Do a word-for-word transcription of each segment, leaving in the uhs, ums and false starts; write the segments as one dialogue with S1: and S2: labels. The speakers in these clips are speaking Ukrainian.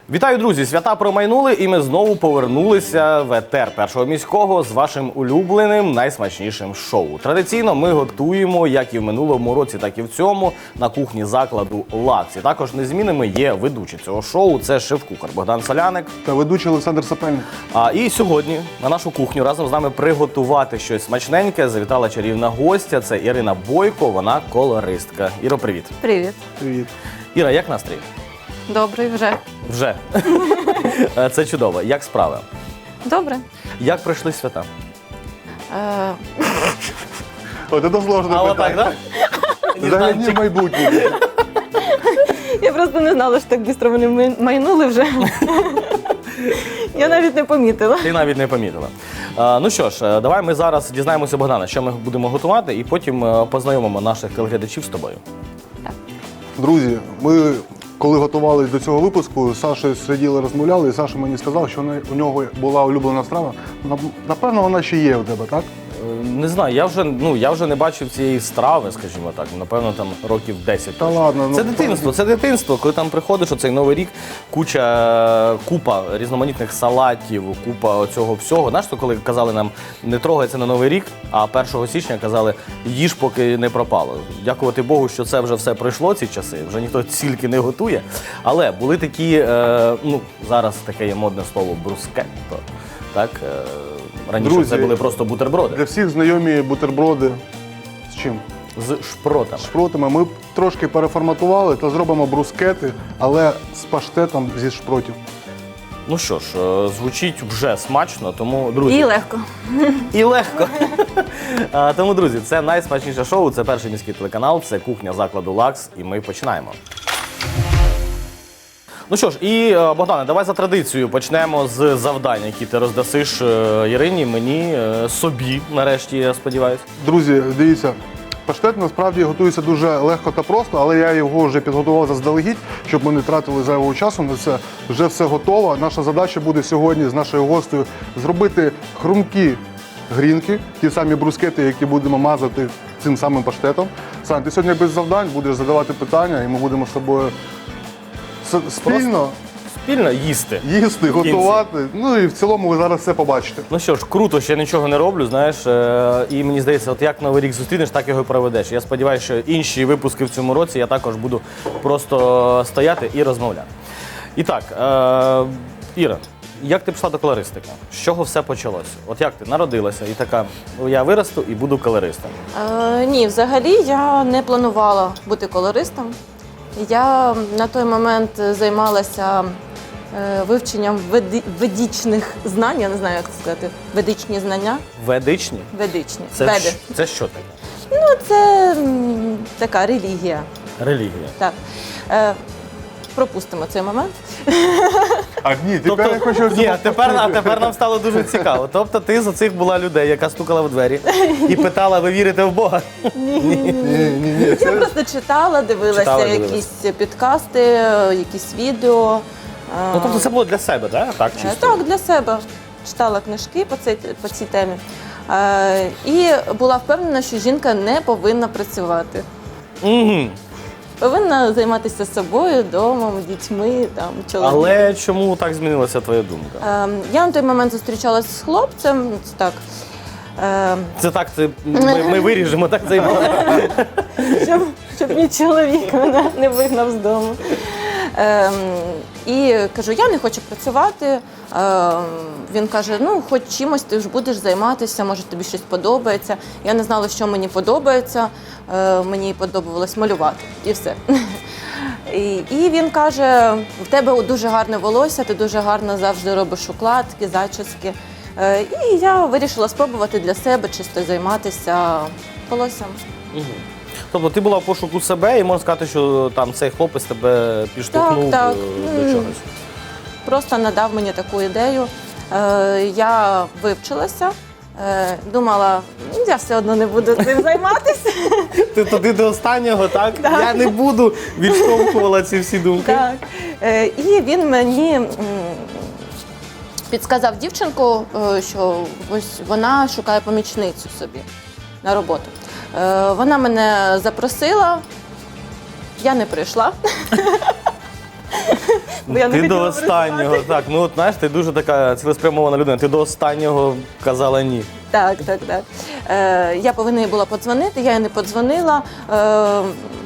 S1: Вітаю, друзі! Свята промайнули, і ми знову повернулися в етер Першого міського з вашим улюбленим, найсмачнішим шоу. Традиційно ми готуємо, як і в минулому році, так і в цьому, на кухні закладу «Лакс». І також незмінними є ведучі цього шоу – це шеф-кухар Богдан Соляник
S2: та ведучий Олександр Сапельник.
S1: А і сьогодні на нашу кухню разом з нами приготувати щось смачненьке завітала чарівна гостя – це Ірина Бойко, вона колористка. Іро, привіт!
S3: Привіт.
S2: Привіт.
S1: Іра, як настрій?
S3: Добрий вже.
S1: Вже. Це чудово. Як справи?
S3: Добре.
S1: Як пройшли свята?
S3: Е,
S2: От це сложне
S1: А отак,
S2: питання.
S1: так?
S2: Загляні в майбутнє.
S3: Я просто не знала, що так швидко вони ми- майнули вже. Я навіть не помітила.
S1: Ти навіть не помітила. А, ну що ж, е, давай ми зараз дізнаємося, Богдана, що ми будемо готувати, і потім е, познайомимо наших телеглядачів з тобою.
S2: Друзі, ми коли готувалися до цього випуску, з Сашою сиділи, розмовляли, і Саша мені сказав, що у нього була улюблена страва. Напевно, вона ще є у тебе, так?
S1: Е, Не знаю, я вже, ну, я вже не бачив цієї страви, скажімо так, напевно, там років десять.
S2: Та
S1: точно.
S2: ладно, ну,
S1: Це дитинство, це дитинство. Коли там приходиш, оцей Новий рік, куча, купа різноманітних салатів, купа цього всього. Знаєш, то коли казали нам, не трогай це на Новий рік, а першого січня казали, їж, поки не пропало. Дякувати Богу, що це вже все пройшло, ці часи, вже ніхто стільки не готує. Але були такі, е, ну, зараз таке є модне слово, брускетто, так? Е, Раніше
S2: Друзі,
S1: це були просто бутерброди.
S2: Для всіх знайомі бутерброди з чим?
S1: З шпротами.
S2: Шпротами. Ми трошки переформатували та зробимо брускети, але з паштетом зі шпротів.
S1: Ну що ж, е, звучить вже смачно, тому, друзі...
S3: І легко.
S1: І легко. А, Тому, друзі, це найсмачніше шоу, це перший міський телеканал, це кухня закладу «Лакс», і ми починаємо. Ну що ж, і, е, Богдане, давай за традицією почнемо з завдань, які ти роздасиш е, Ірині, мені, е, собі, нарешті, я сподіваюся.
S2: Друзі, дивіться, паштет насправді готується дуже легко та просто, але я його вже підготував заздалегідь, щоб ми не тратили зайвого часу на це. Вже все готово. Наша задача буде сьогодні з нашою гостею зробити хрумкі грінки, ті самі брускети, які будемо мазати цим самим паштетом. Сань, ти сьогодні без завдань будеш задавати питання, і ми будемо з тобою с- спільно
S1: Спільно їсти.
S2: їсти,
S1: кінці.
S2: готувати. Ну і в цілому ви зараз все побачите.
S1: Ну що ж, круто, що я нічого не роблю, знаєш, е, і мені здається, от як Новий рік зустрінеш, так його і проведеш. Я сподіваюся, що інші випуски в цьому році я також буду просто стояти і розмовляти. І так, е, Іра, як ти пішла до колористики? З чого все почалося? От як ти народилася і така, я виросту і буду колористом?
S3: Е, ні, взагалі я не планувала бути колористом. Я на той момент займалася е, вивченням веди- ведичних знань, я не знаю, як це сказати, ведичні знання.
S1: Ведичні?
S3: Ведичні.
S1: Це,
S3: Веди.
S1: ж- це що таке?
S3: Ну, це м, така релігія.
S1: Релігія.
S3: Так. Е, пропустимо цей момент.
S2: А ні, тепер я хочу...
S1: Ні, а тепер, а тепер нам стало дуже цікаво. Тобто ти з оцих була людей, яка стукала в двері і питала, ви вірите в Бога?
S2: Ні, ні, ні.
S3: Я
S2: Це...
S3: просто читала, дивилася
S1: Читала,
S3: якісь
S1: дивилася.
S3: підкасти, якісь відео.
S1: Ну, тобто це було для себе, так? Так,
S3: Е,
S1: чисто?
S3: Так, для себе. Читала книжки по цій, по цій темі. Е, І була впевнена, що жінка не повинна працювати.
S1: Угу.
S3: Повинна займатися собою, домом, дітьми, там, чоловіком.
S1: Але чому так змінилася твоя думка?
S3: Е, Я на той момент зустрічалася з хлопцем, це так. е,
S1: Це так, це ми, ми виріжемо так цей момент.
S3: щоб, щоб мій чоловік мене не вигнав з дому. Ем, і кажу, я не хочу працювати. Ем, він каже, ну хоч чимось ти ж будеш займатися, може тобі щось подобається. Я не знала, що мені подобається. Е, мені подобалось малювати і все. І, і він каже, в тебе дуже гарне волосся, ти дуже гарно завжди робиш укладки, зачіски. Е, і я вирішила спробувати для себе чисто займатися волоссям.
S1: Угу. Тобто ти була в пошуку себе і можна сказати, що там цей хлопець тебе підштовхнув
S3: Так, так.
S1: е, до
S3: М.
S1: чогось.
S3: Просто надав мені таку ідею. Е, Я вивчилася, е, думала, «Ну, я все одно не буду цим займатися.
S1: Ти туди до останнього, так?
S3: Так.
S1: Я не буду, відштовхувала ці всі думки.
S3: Так. Е, І він мені м, підсказав дівчинку, е, що ось вона шукає помічницю собі на роботу. Е, Вона мене запросила, я не прийшла. Бо я не
S1: Ти до
S3: хотіла
S1: останнього,
S3: працювати.
S1: так. Ну от знаєш, ти дуже така цілеспрямована людина. Ти до останнього казала ні.
S3: Так, так, так. Е, я повинна їй була подзвонити, я їй не подзвонила. Е,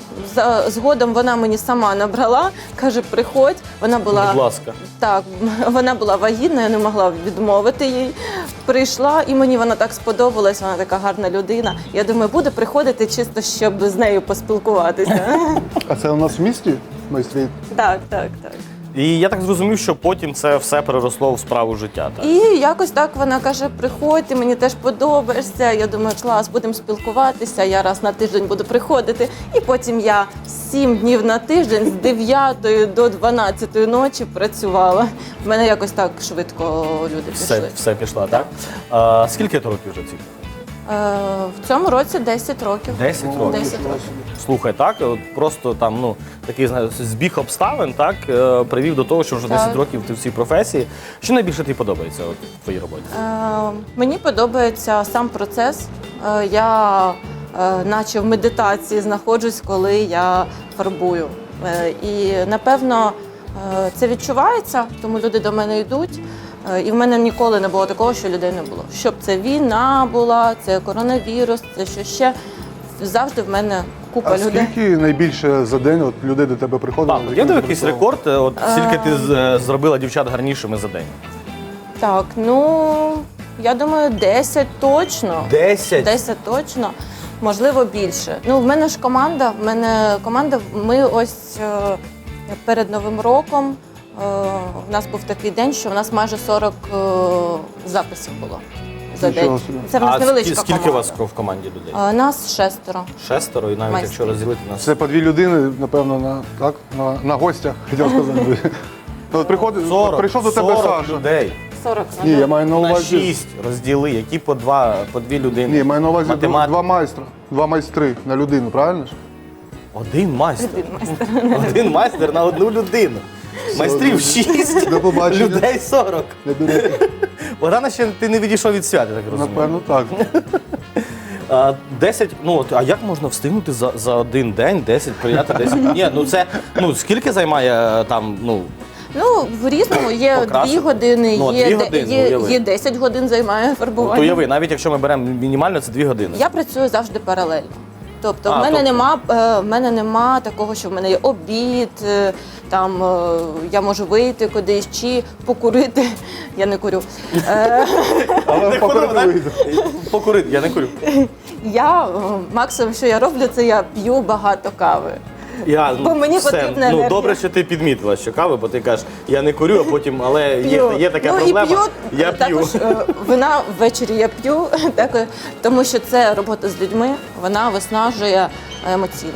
S3: за- згодом вона мені сама набрала, каже, приходь. Вона була,
S1: Будь ласка.
S3: так, вона була вагітна, я не могла відмовити їй. Прийшла, і мені вона так сподобалась, вона така гарна людина. Я думаю, буде приходити чисто, щоб з нею поспілкуватися.
S2: А це у нас в місті майстрі?
S3: Так, так, так.
S1: І я так зрозумів, що потім це все переросло в справу життя. Так?
S3: І якось так вона каже: приходь, ти мені теж подобаєшся. Я думаю, клас, будемо спілкуватися. Я раз на тиждень буду приходити. І потім я сім днів на тиждень з дев'ятої до дванадцятої ночі працювала. В мене якось так швидко люди
S1: Все,
S3: пішли.
S1: все пішла, так? А, скільки ти років вже ці?
S3: Е, в цьому році десять років.
S1: Десять років.
S3: десять років.
S1: Слухай, так, от просто там, ну, такий знаю, збіг обставин, так, е, привів до того, що вже
S3: Так.
S1: десять років ти в цій професії. Що найбільше тобі подобається от, в твоїй роботі?
S3: Е, мені подобається сам процес. Е, я е, наче в медитації знаходжусь, коли я фарбую. Е, і напевно е, це відчувається, тому люди до мене йдуть. Е, і в мене ніколи не було такого, що людей не було. Щоб це війна була, це коронавірус, це що ще. Завжди в мене купа
S2: А
S3: людей.
S2: скільки найбільше за день от людей до тебе приходило?
S1: Так,
S2: з
S1: є
S2: якими
S1: якийсь
S2: ти
S1: рекорд, е, от скільки ти з- е, зробила дівчат гарнішими за день?
S3: Так, ну я думаю, десять точно.
S1: Десять?
S3: десять точно, можливо, більше. Ну, в мене ж команда, в мене команда, ми ось е, перед Новим роком. е, У нас був такий день, що в нас майже сорок е, записів було за
S2: Нічого
S3: день.
S2: собі.
S3: Це в нас
S1: А
S3: невеличка
S1: скі- скільки у
S3: команда.
S1: вас в команді людей?
S3: Е, Нас шестеро.
S1: Шестеро, і навіть
S3: Майстрів.
S1: якщо розділити нас.
S2: Це по дві людини, напевно, на, так, на, на гостях, хотів сказати. От приходить,
S1: сорок,
S2: прийшов до тебе
S1: сорок
S2: Саша.
S1: людей.
S3: сорок.
S2: Ні, я маю на
S1: На
S2: увазі.
S1: шість розділи, які по два, по дві людини.
S2: Ні, я маю на увазі два,
S1: Математика.
S2: два майстра, два майстри на людину, правильно ж?
S1: Один майстер.
S3: Один майстер.
S1: Один майстер на одну людину. Майстрів шість,
S2: До побачення.
S1: людей сорок.
S2: Не берете?
S1: Богдана, ще ти не відійшов від свята, так розумію.
S2: Напевно, так.
S1: А, десять, ну от, а як можна встигнути за, за один день десять, прийняти десять? Ні, ну це, ну скільки займає е, там, ну,
S3: Ну, в різному є
S1: Покрасити.
S3: дві години,
S1: Ну,
S3: є,
S1: дві
S3: де-
S1: години,
S3: є,
S1: уяви.
S3: є десять годин займає фарбування.
S1: от уяви, навіть якщо ми беремо мінімально, це дві години.
S3: Я працюю завжди паралельно. Тобто,
S1: А,
S3: в мене
S1: тобто-
S3: нема е, в мене нема такого, що в мене є обід, е, там е, я можу вийти кудись чи покурити. Я не курю. Е,
S2: Але
S1: Не
S2: попереду
S1: ходив,
S2: вийде.
S1: так? Покурити, я не курю.
S3: я е, максимум, що я роблю, це я п'ю багато кави.
S1: Я,
S3: Бо мені
S1: все,
S3: потрібна
S1: ну,
S3: енергія.
S1: добре, що ти підмітила, що кави, бо ти кажеш, я не курю, а потім, але є,
S3: П'ю.
S1: є така
S3: ну,
S1: проблема,
S3: і п'ю,
S1: я п'ю.
S3: також е, вина ввечері я п'ю, так, е, тому що це робота з людьми, вона виснажує емоційно.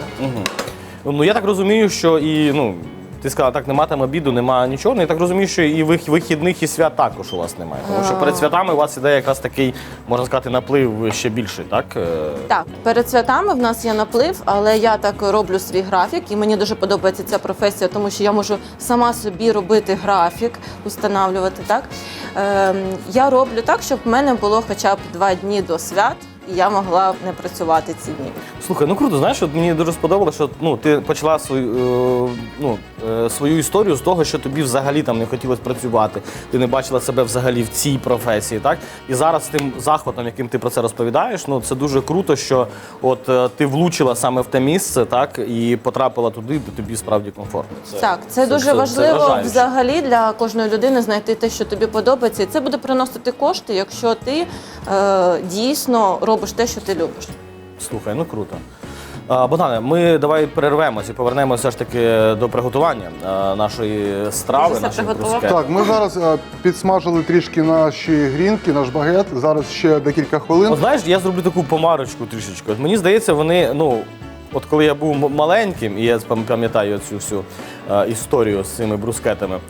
S1: Ну я так розумію, що і ну ти сказала, так нема там обіду, нема нічого. Ну я так розумію, що і вих- вихідних, і свят також у вас немає. Тому що перед святами у вас іде якраз такий, можна сказати, наплив ще більший, так? Е,
S3: Так, перед святами в нас є наплив, але я так роблю свій графік, і мені дуже подобається ця професія, тому що я можу сама собі робити графік, установлювати. Так ем, я роблю так, щоб в мене було хоча б два дні до свят, і я могла не працювати ці дні.
S1: Слухай, ну круто, знаєш, от мені дуже сподобалося, що ну, ти почала свою, е, ну, е, свою історію з того, що тобі взагалі там не хотілося працювати, ти не бачила себе взагалі в цій професії, так? І зараз з тим захватом, яким ти про це розповідаєш, ну, це дуже круто, що от е, ти влучила саме в те місце, так, і потрапила туди, де тобі справді комфортно. Це,
S3: Так, це, дуже важливо
S1: вражаюче.
S3: взагалі для кожної людини знайти те, що тобі подобається. І це буде приносити кошти, якщо ти е, дійсно робиш те, що ти любиш.
S1: Слухай, ну круто. А, Богдане, ми давай перервемось і повернемося все ж таки до приготування а, нашої страви,
S3: Вже все
S1: нашої
S3: приготував?
S1: брускети.
S2: Так, ми зараз е, підсмажили трішки наші грінки, наш багет. Зараз ще декілька хвилин.
S1: От знаєш, я зроблю таку помарочку трішечки. От мені здається, вони, ну, от коли я був м- маленьким, і я пам- пам'ятаю цю всю е, історію з цими брускетами, е,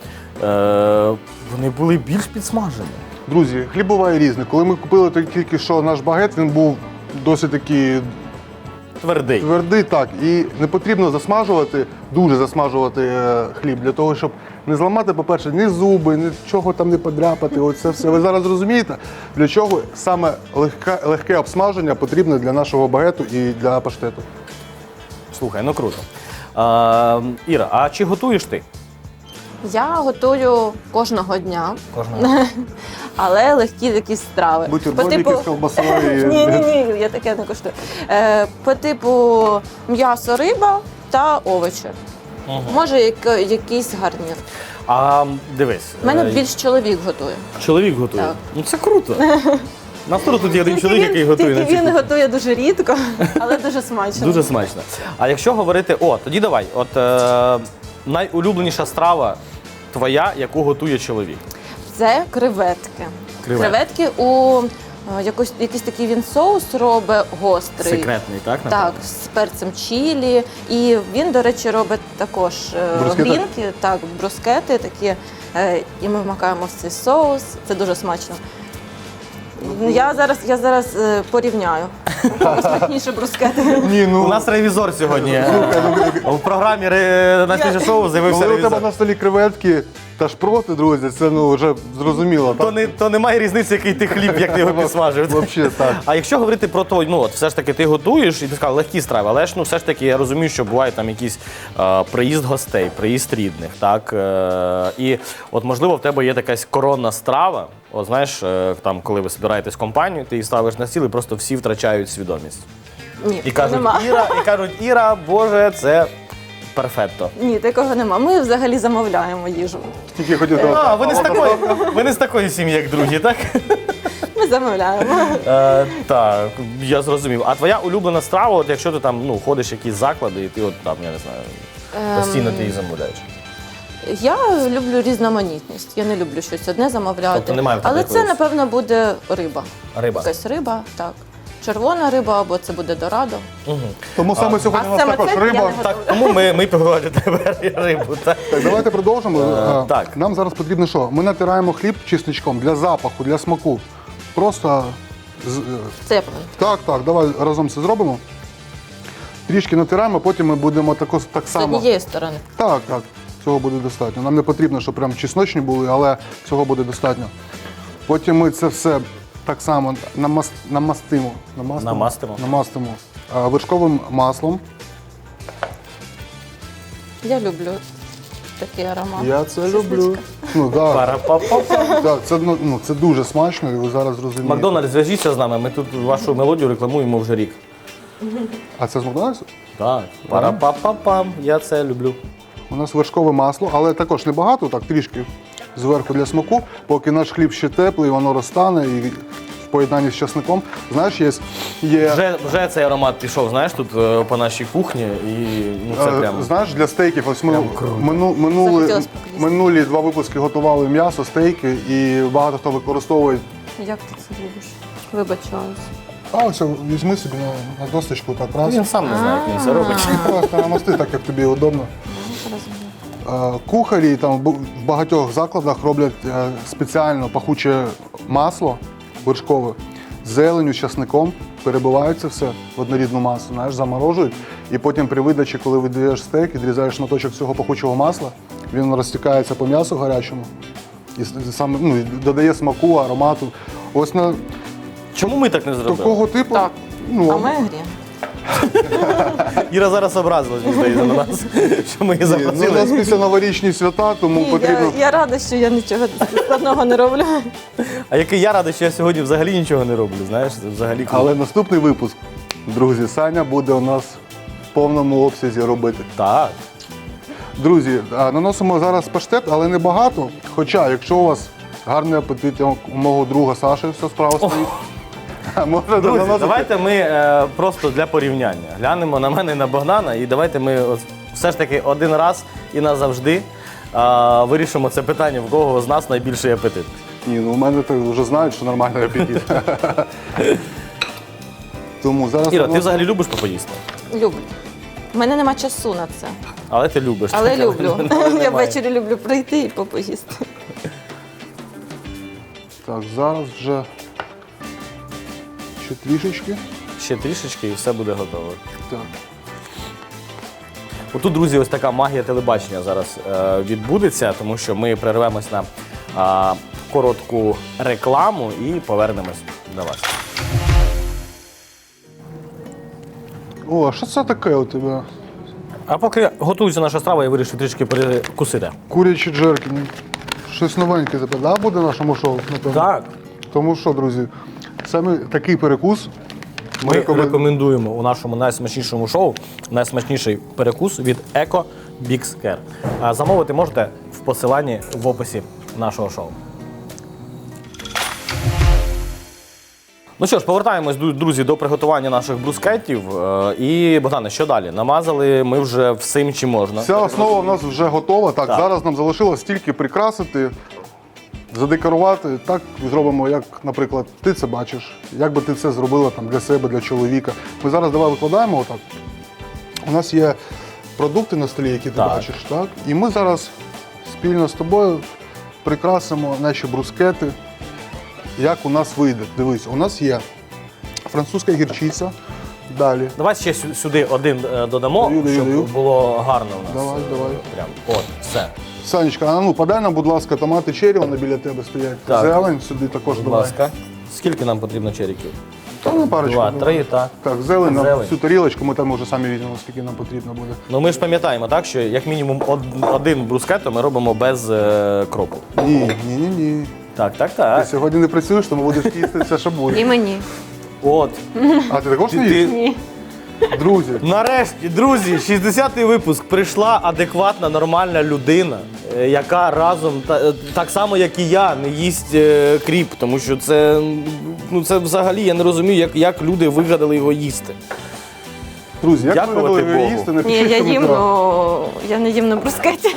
S1: вони були більш підсмажені.
S2: Друзі, хліб буває різний. Коли ми купили той- тільки що наш багет, він був досить такий
S1: Твердий.
S2: твердий, так. І не потрібно засмажувати, дуже засмажувати е, хліб для того, щоб не зламати, по-перше, ні зуби, нічого там не подряпати. Оце все. Ви зараз розумієте, для чого саме легке, легке обсмаження потрібне для нашого багету і для паштету.
S1: Слухай, ну круто. А, Іра, а чи готуєш ти?
S3: Я готую кожного дня,
S1: Кожного.
S3: але легкі якісь страви.
S2: Бутербродики з колбасою.
S3: Ні, ні, ні, я таке не коштую. Е, по типу м'ясо, риба та овочі.
S1: Мгм.
S3: Може, як, якийсь гарнір.
S1: А дивись,
S3: У мене
S1: е,
S3: більш чоловік готує.
S1: чоловік готує.
S3: Так.
S1: Ну це круто. На столу тут є один чоловік, який готує на
S3: тільки
S1: цій
S3: він
S1: кухні.
S3: готує дуже рідко, але дуже смачно.
S1: Дуже смачно. А якщо говорити, о, тоді давай, от е, найулюбленіша страва твоя, яку готує чоловік.
S3: Це креветки.
S1: Креветки.
S3: Креветки у е, якось, якийсь такий він соус робить гострий.
S1: Секретний, так?
S3: Так,
S1: напевно?
S3: з перцем чілі. І він, до речі, робить також е,
S2: Брускети?
S3: грінки, так, брускети такі. е, І ми вмикаємо в цей соус. Це дуже смачно. Я зараз, я зараз е, порівняю. Смачніше брускети.
S2: Ні, ну,
S1: У нас ревізор сьогодні. У програмі ре- на свіже шоу з'явився
S2: коли у тебе
S1: ревізор.
S2: на столі креветки та шпроти, друзі, це ну вже зрозуміло.
S1: То, не, то немає різниці, який ти хліб, як ти його підсмажив.
S2: Взагалі так.
S1: А якщо говорити про то, ну от все ж таки ти готуєш і ти сказав легкі страви, але ж ну все ж таки я розумію, що буває там якийсь е, приїзд гостей, приїзд рідних, так е, і от можливо в тебе є якась коронна страва. От знаєш, е, там коли ви збираєтесь в компанію, ти її ставиш на стіл і просто всі втрачають свідомість.
S3: Ні,
S1: І кажуть,
S3: нема.
S1: Іра, і кажуть, Іра, Боже, це перфетто.
S3: Ні, такого нема. Ми взагалі замовляємо їжу.
S2: Тільки хотів
S1: А, ви не з такої, ви не з такої сім'ї, як другі, так?
S3: Ми замовляємо.
S1: Е, так, я зрозумів. А твоя улюблена страва, от якщо ти там ну, ходиш в якісь заклади, і ти от там, я не знаю, постійно ти її замовляєш.
S3: Я люблю різноманітність. Я не люблю щось одне замовляти.
S1: Тобто немає в тебе
S3: Але це,
S1: якоїсь-
S3: напевно, буде риба.
S1: Риба.
S3: Якась риба, так. Червона риба або це буде дорадо.
S1: Угу.
S2: Тому саме сьогодні у
S3: А
S2: нас
S3: саме
S2: також
S3: це я
S2: риба.
S3: не
S1: Так, тому ми, ми погодили тебе рибу. Так?
S2: Так, давайте продовжимо.
S1: Е,
S2: Е,
S1: так.
S2: Нам зараз потрібно що? Ми натираємо хліб чесничком для запаху, для смаку. Просто з- е,
S3: Це я повинна.
S2: так, так, давай разом це зробимо. Трішки натираємо, потім ми будемо тако, так
S3: З
S2: само.
S3: однієї сторони.
S2: Так, так, цього буде достатньо. Нам не потрібно, щоб прям чесночні були, але цього буде достатньо. Потім ми це все так само намас- намастимо. Намастимо.
S1: Намастимо.
S2: намастимо а, вершковим маслом.
S3: Я люблю такий аромат.
S2: Я це
S3: Чесничка.
S2: люблю. Ну, так,
S1: Пара-па-па-па.
S2: так, це, ну, ну, це дуже смачно, і ви зараз зрозумієте.
S1: Макдональдс, зв'яжіться з нами, ми тут вашу мелодію рекламуємо вже рік.
S2: А це з Макдональдсу?
S1: Так, пара-па-па-пам, я це люблю.
S2: У нас вершкове масло, але також небагато, так трішки зверху для смаку, поки наш хліб ще теплий, воно розтане і в поєднанні з часником. Знаєш, є, є
S1: Вже, вже цей аромат пішов, знаєш, тут е, по нашій кухні, і ну, це
S2: е,
S1: прям.
S2: знаєш, для стейків. Ось ми
S1: Прям круто.
S2: мину, минули,
S3: Захотілося поїсти.
S2: минулі два випуски готували м'ясо, стейки, і багато хто використовує.
S3: Як ти це любиш? Вибачаюсь.
S2: А ось візьми собі на, на досточку так раз.
S1: Він сам не знає, як він це робить.
S2: Просто намасти так, як тобі удобно. Е, Кухарі там в багатьох закладах роблять е, спеціально пахуче масло вершкове з зеленю, з часником, перебивають це все в однорідну масу, знаєш, заморожують. І потім при видачі, коли видаєш стейк, відрізаєш шматочок цього пахучого масла, він розтікається по м'ясу гарячому і с- саме ну, і додає смаку, аромату. Ось на
S1: Чому ми так не зробили?
S2: такого типу.
S3: Так.
S2: Ну,
S3: А ми грі.
S1: Іра зараз образилась, мені здається, на нас, що ми її
S2: ні, ну, у нас
S1: запросили.
S2: після новорічні свята, тому
S3: Ні,
S2: потрібно.
S3: я, я рада, що я нічого складного не роблю.
S1: А який я радий, що я сьогодні взагалі нічого не роблю, знаєш, це взагалі круто.
S2: Але наступний випуск, друзі, Саня буде у нас в повному обсязі робити.
S1: Так.
S2: Друзі, а, наносимо зараз паштет, але не багато. Хоча, якщо у вас гарний апетит, як у мого друга Саші, все справа стоїть. Можна
S1: Друзі,
S2: наносити.
S1: давайте ми е, просто для порівняння глянемо на мене і на Богдана, і давайте ми от все ж таки один раз і назавжди е, вирішимо це питання, в кого з нас найбільший апетит.
S2: Ні, ну у мене так вже знають, що нормальний апетит. Тому зараз
S1: Іра, ти
S2: наносимо-
S1: взагалі любиш попоїсти?
S3: Люблю. У мене нема часу на це.
S1: Але ти любиш.
S3: Але
S1: так,
S3: люблю.
S1: але
S3: Я
S1: немає.
S3: ввечері люблю прийти і попоїсти.
S2: Так, зараз вже ще трішечки.
S1: Ще трішечки і все буде готово.
S2: Так.
S1: Отут, друзі, ось така магія телебачення зараз е, відбудеться, тому що ми перервемось на е, коротку рекламу і повернемось до вас.
S2: О, а що це таке у тебе?
S1: А поки готується наша страва, я вирішив трішки перекусити.
S2: Курячі джерки. ну, Щось новеньке тепер, да, буде в нашому шоу? напевно?
S1: Так.
S2: Тому що, друзі, саме такий перекус
S1: Ми
S2: рекомен-
S1: рекомендуємо у нашому найсмачнішому шоу найсмачніший перекус від Eco Big Scare. А замовити можете в посиланні в описі нашого шоу. Ну що ж, повертаємось, ду- друзі, до приготування наших брускеттів. Е, І, Богдане, що далі? Намазали ми вже всім, чим можна.
S2: Вся основа в нас вже готова. Так,
S1: Так.
S2: зараз нам залишилось тільки прикрасити, задекорувати. Так зробимо, як, наприклад, ти це бачиш. Як би ти це зробила там для себе, для чоловіка. Ми зараз давай викладаємо отак. У нас є продукти на столі, які ти
S1: Так.
S2: бачиш, так? І ми зараз спільно з тобою прикрасимо наші брускети. Як у нас вийде. Дивись, у нас є французька гірчиця. Далі.
S1: Давай ще сю- сюди один е, додамо,
S2: Даю, даю,
S1: щоб
S2: даю.
S1: було гарно у нас.
S2: Давай,
S1: Е,
S2: давай.
S1: Прям. От, все.
S2: Санечка, а ну подай нам, будь ласка, томати черрі, вони біля тебе стоять.
S1: Так.
S2: Зелень сюди також
S1: Будь
S2: давай.
S1: ласка. Скільки нам потрібно черіків?
S2: Та ну парочку.
S1: Два,
S2: давай.
S1: три, так.
S2: Так, зелень на
S1: Зелень.
S2: всю тарілочку, ми там вже самі візьмемо, скільки нам потрібно буде.
S1: Ну ми ж пам'ятаємо, так, що як мінімум од- один брускетто ми робимо без е, кропу.
S2: Ні, ні, ні, ні.
S1: Так, так,
S2: Ти
S1: так.
S2: сьогодні не працюєш, тому будеш їсти все, що
S3: І
S2: буде.
S3: мені.
S1: От.
S2: А ти також
S1: Ти-
S2: не їш?
S3: Ні.
S2: Друзі,
S1: Нарешті, друзі, шістдесятий випуск. Прийшла адекватна, нормальна людина, е, яка разом, та- так само, як і я, не їсть е, кріп. Тому що це, ну, це взагалі, я не розумію, як, як люди вигадали його їсти.
S2: друзі, як ви
S1: Дякувати
S2: будете
S1: Богу.
S2: їсти,
S3: Ні,
S2: напишіть в
S3: я їм,
S2: коментарях.
S3: ну, я не їм на брускеті.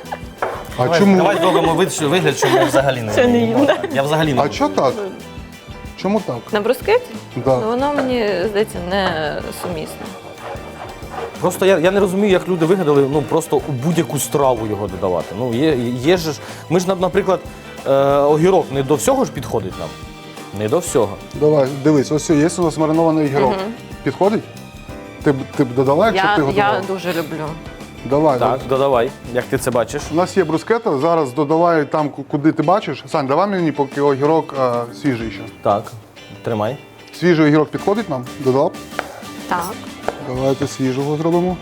S2: А
S1: Давай,
S2: чому?
S1: давай зробимо вид- що- вигляд, що ми взагалі не
S3: Що не
S1: їмо.
S3: їм, да?
S1: Так, Я взагалі не
S2: А
S1: буду.
S2: чого так? Чому так?
S3: На брускеті?
S2: Да.
S3: Ну, воно мені, здається, не сумісно.
S1: Просто я, я не розумію, як люди вигадали ну, просто у будь-яку страву його додавати. Ну, є, є ж, ми ж, наприклад, е, огірок не до всього ж підходить нам. Не до всього.
S2: Давай, дивись, ось є у нас маринований гірок. Підходить? Ти б ти б додала, якщо б
S3: Я,
S2: ти готувала?
S3: я дуже люблю.
S2: Давай.
S1: Так, додавай, як ти це бачиш.
S2: У нас є брускета, зараз додавай там, ку- куди ти бачиш. Сань, давай мені поки огірок а, свіжий ще.
S1: Так, тримай.
S2: Свіжий огірок підходить нам? Додала б?
S3: Так.
S2: Давайте свіжого зробимо.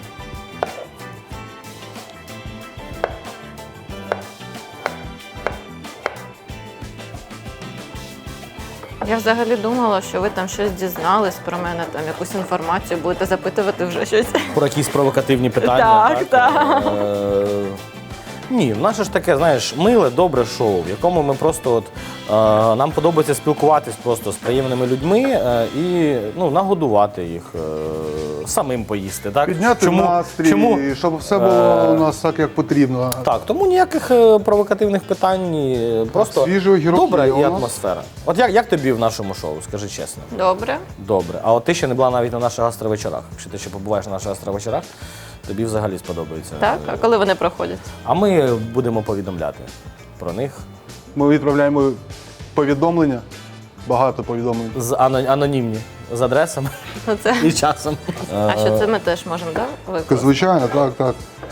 S3: Я взагалі думала, що ви там щось дізнались про мене, там якусь інформацію будете запитувати вже щось.
S1: Про якісь провокативні питання.
S3: Так, так.
S1: Е, Ні, наше ж таке, знаєш, миле, добре шоу, в якому ми просто от, е, нам подобається спілкуватись просто з приємними людьми е, і ну, нагодувати їх, е, самим поїсти. Так?
S2: Підняти
S1: Чому-
S2: настрій,
S1: чому?
S2: щоб все було у нас так, як потрібно.
S1: Так, тому ніяких е, провокативних питань, ні, просто
S2: свіжий огірок
S1: добра
S2: є
S1: і
S2: у нас.
S1: атмосфера. От як, як тобі в нашому шоу, скажи чесно?
S3: Добре.
S1: Добре. А от ти ще не була навіть на наших гастровечорах. Якщо ти ще побуваєш на наших гастровечорах, тобі взагалі сподобається.
S3: Так? А коли вони проходять?
S1: А ми будемо повідомляти про них
S2: Ми відправляємо повідомлення, багато повідомлень.
S1: з ано- анонімні, з адресами
S3: Ну, це...
S1: і часом.
S3: А що це ми теж можемо, так? викласти?
S2: Звичайно, так, так.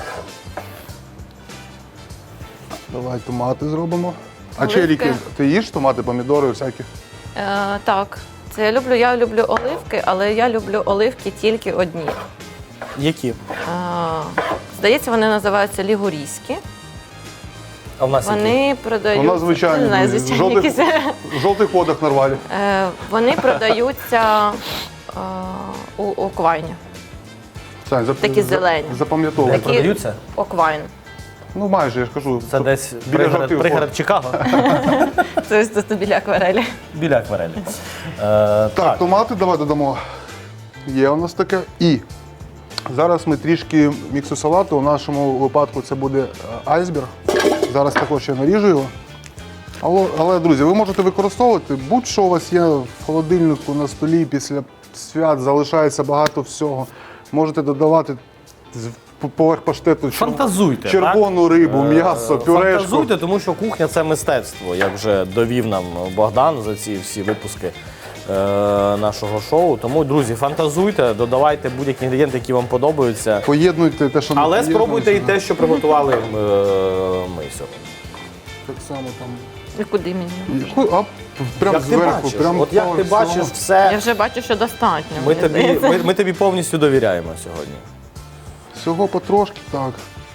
S2: Давай томати зробимо. А
S3: Оливки.
S2: черіки, ти їш томати, помідори всякі?
S3: Е, так. Це я люблю. Я люблю оливки, але я люблю оливки тільки одні.
S1: Які?
S3: Е, здається, вони називаються лігурійські.
S1: А в нас які?
S3: Вони продають.
S2: Вона звичайно.
S3: Не знаю,
S2: друзі, в
S3: звичайні
S2: жовтих,
S3: якісь.
S2: в жовтих водах нарвалі.
S3: Е, вони продаються е, у Оквайні.
S2: Сань, зап-
S3: Такі
S2: за-
S3: зелені.
S2: Запам'ятовуй.
S1: Такі- продаються?
S3: Оквайн.
S2: Ну майже, я ж кажу.
S1: Це
S2: тут
S1: десь
S2: біля
S1: пригород,
S2: жовтих
S1: пригород
S2: вод.
S1: Чикаго,
S3: Це ось тут біля акварелі.
S1: біля акварелі. Е,
S2: Так,
S1: так,
S2: томати давай додамо. Є у нас таке. І зараз ми трішки міксу салату. У нашому випадку це буде е, айсберг. Зараз також я наріжу його. Але, але, друзі, ви можете використовувати будь-що у вас є в холодильнику на столі після свят, залишається багато всього. Можете додавати з- поверх паштету чер-
S1: Фантазуйте,
S2: червону рибу, м'ясо,
S1: Е,
S2: пюрешку.
S1: Фантазуйте, тому що кухня це мистецтво, як вже довів нам Богдан за ці всі випуски е, нашого шоу. Тому, друзі, фантазуйте, додавайте будь-які інгредієнти, які вам подобаються.
S2: Поєднуйте те, що не
S1: Але спробуйте і
S2: поєднується.
S1: те, що приготували е, ми сьогодні.
S2: Так само там.
S3: І куди мені?
S2: А, прям
S1: Як ти
S2: зверху,
S1: бачиш,
S2: прям
S1: от як ти
S2: по всьому.
S1: бачиш все,
S3: Я вже бачу, що достатньо.
S1: ми
S3: мені
S1: тобі,
S3: здається.
S1: ми, ми тобі повністю довіряємо сьогодні.
S2: всього потрошки, так.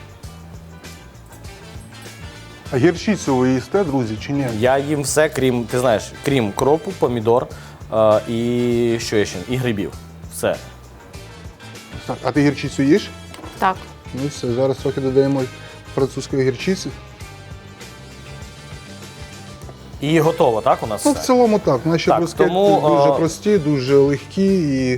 S2: А гірчицю ви їсте, друзі, чи ні?
S1: Я їм все, крім, ти знаєш, крім кропу, помідор е, і що є ще? І грибів. Все.
S2: Так, а ти гірчицю їш?
S3: Так.
S2: Ну і все, зараз трохи додаємо французької гірчиці.
S1: І готово, так, у нас
S2: Ну, в
S1: все?
S2: цілому так. Наші
S1: Так,
S2: брускетти
S1: тому,
S2: дуже
S1: а,
S2: прості, дуже легкі і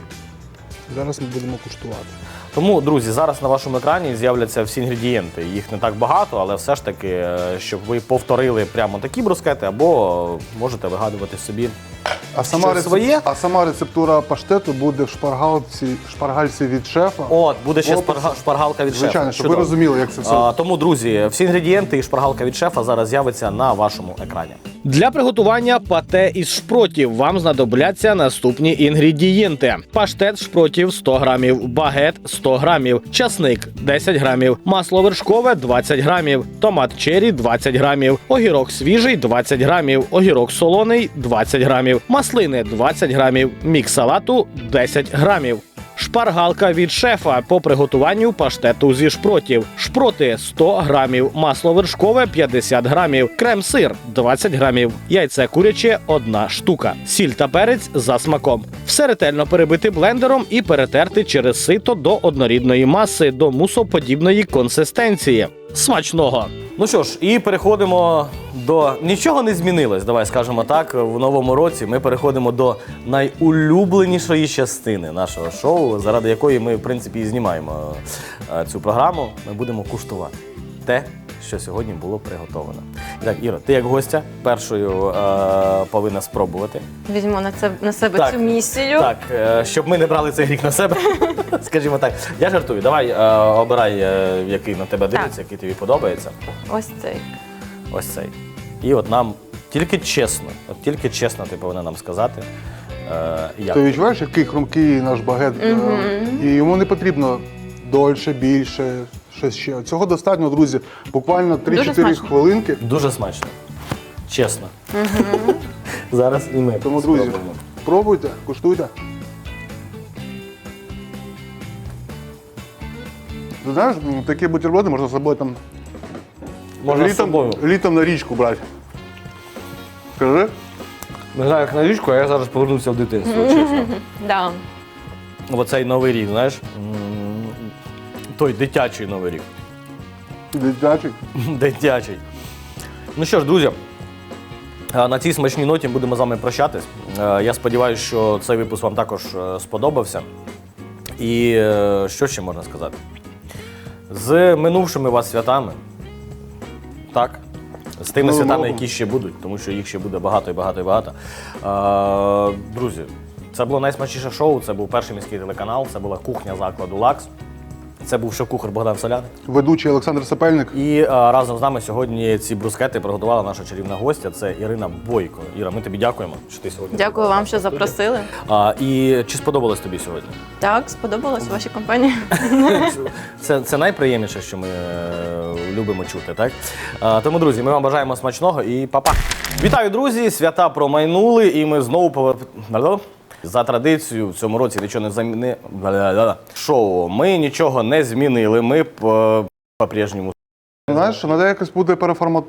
S2: зараз ми будемо куштувати.
S1: Тому, друзі, зараз на вашому екрані з'являться всі інгредієнти. Їх не так багато, але все ж таки, е, щоб ви повторили прямо такі брускети, або можете вигадувати собі.
S2: А сама,
S1: Щось
S2: рецеп...
S1: своє?
S2: а сама рецептура паштету буде в шпаргалці, шпаргальці від шефа.
S1: От, буде ще
S2: Опис.
S1: спарга- шпаргалка від
S2: Звичайно,
S1: шефа.
S2: щоб ви
S1: Чудово.
S2: розуміли, як це все.
S1: А, тому, друзі, всі інгредієнти і шпаргалка від шефа зараз з'явиться на вашому екрані. Для приготування пате із шпротів вам знадобляться наступні інгредієнти: паштет шпротів сто грамів, багет сто грамів, часник десять грамів, масло вершкове двадцять грамів, томат черрі двадцять грамів, огірок свіжий двадцять грамів, огірок солоний двадцять грамів, маслини двадцять грамів, мікс салату десять грамів. Шпаргалка від шефа по приготуванню паштету зі шпротів. Шпроти сто грамів, масло вершкове п'ятдесят грамів, крем-сир двадцять грамів, яйце куряче одна штука, сіль та перець за смаком. Все ретельно перебити блендером і перетерти через сито до однорідної маси, до мусоподібної консистенції. Смачного! Ну що ж, і переходимо до... Нічого не змінилось, давай скажемо так, в новому році ми переходимо до найулюбленішої частини нашого шоу, заради якої ми, в принципі, і знімаємо е, цю програму. Ми будемо куштувати те, що сьогодні було приготовлено. І так, Іро, ти як гостя першою е, повинна спробувати.
S3: Візьму на це на себе
S1: Так,
S3: цю місію.
S1: Так, е, щоб ми не брали цей гріх на себе, скажімо так. Я жартую, давай е, обирай, е, який на тебе дивиться, який тобі подобається.
S3: Ось цей.
S1: Ось цей. І от нам тільки чесно, от тільки чесно ти повинна нам сказати, е, як.
S2: Ти відчуваєш, який хрумкий наш багет? е, І йому не потрібно дольше, більше, щось ще. Цього достатньо, друзі. Буквально три-чотири
S3: смачно.
S2: хвилинки.
S1: Дуже смачно. Чесно. Зараз і ми.
S2: Тому, друзі,
S1: спробуємо.
S2: пробуйте, куштуйте. Ти знаєш, м, такі бутерброди можна з собою там
S1: Можна з
S2: літом,
S1: собою.
S2: літом на річку брати. Скажи?
S1: Не знаю, як на річку, а я зараз повернувся в дитинство, чесно.
S3: Да.
S1: Оцей новий рік, знаєш, м, той дитячий новий рік.
S2: Дитячий.
S1: Дитячий. Ну що ж, друзі, е, на цій смачній ноті будемо з вами прощатись. Е, Я сподіваюся, що цей випуск вам також е, сподобався. І е, що ще можна сказати? З минувшими вас святами. Так. З тими
S2: Новим
S1: святами,
S2: роком.
S1: які ще будуть, тому що їх ще буде багато і багато і багато. Е, Друзі, це було найсмачніше шоу, це був перший міський телеканал, це була кухня закладу «Лакс». Це був шеф-кухар Богдан Соляник.
S2: Ведучий Олександр Сапельник.
S1: І а, разом з нами сьогодні ці брускети приготувала наша чарівна гостя. Це Ірина Бойко. Іра, ми тобі дякуємо, що ти сьогодні.
S3: Дякую вам, що запросили.
S1: А, і чи сподобалось тобі сьогодні?
S3: Так, сподобалось вашій компанії.
S1: Це, це найприємніше, що ми е, любимо чути, так? А, тому, друзі, ми вам бажаємо смачного і па-па! Вітаю, друзі! Свята промайнули, і ми знову повер... За традицією в цьому році нічого не заміни... Шоу. Ми нічого не змінили, ми по- по-прежньому.
S2: Знаєш, треба якось буде переформат...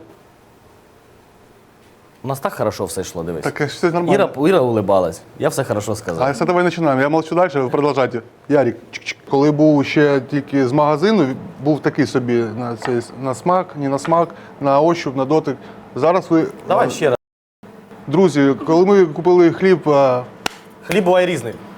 S1: У нас так хорошо все йшло, дивись.
S2: Таке все нормально.
S1: Іра, Іра улибалась. Я все хорошо сказав.
S2: А все, давай починаємо. Я молчу далі, ви продовжайте. Ярік, чик-чик. Коли був ще тільки з магазину, був такий собі на, цей, на смак, не на смак, на ощуп, на дотик. Зараз ви...
S1: Давай ще раз.
S2: Друзі, коли ми купили хліб... а,
S1: Хліб буває різний.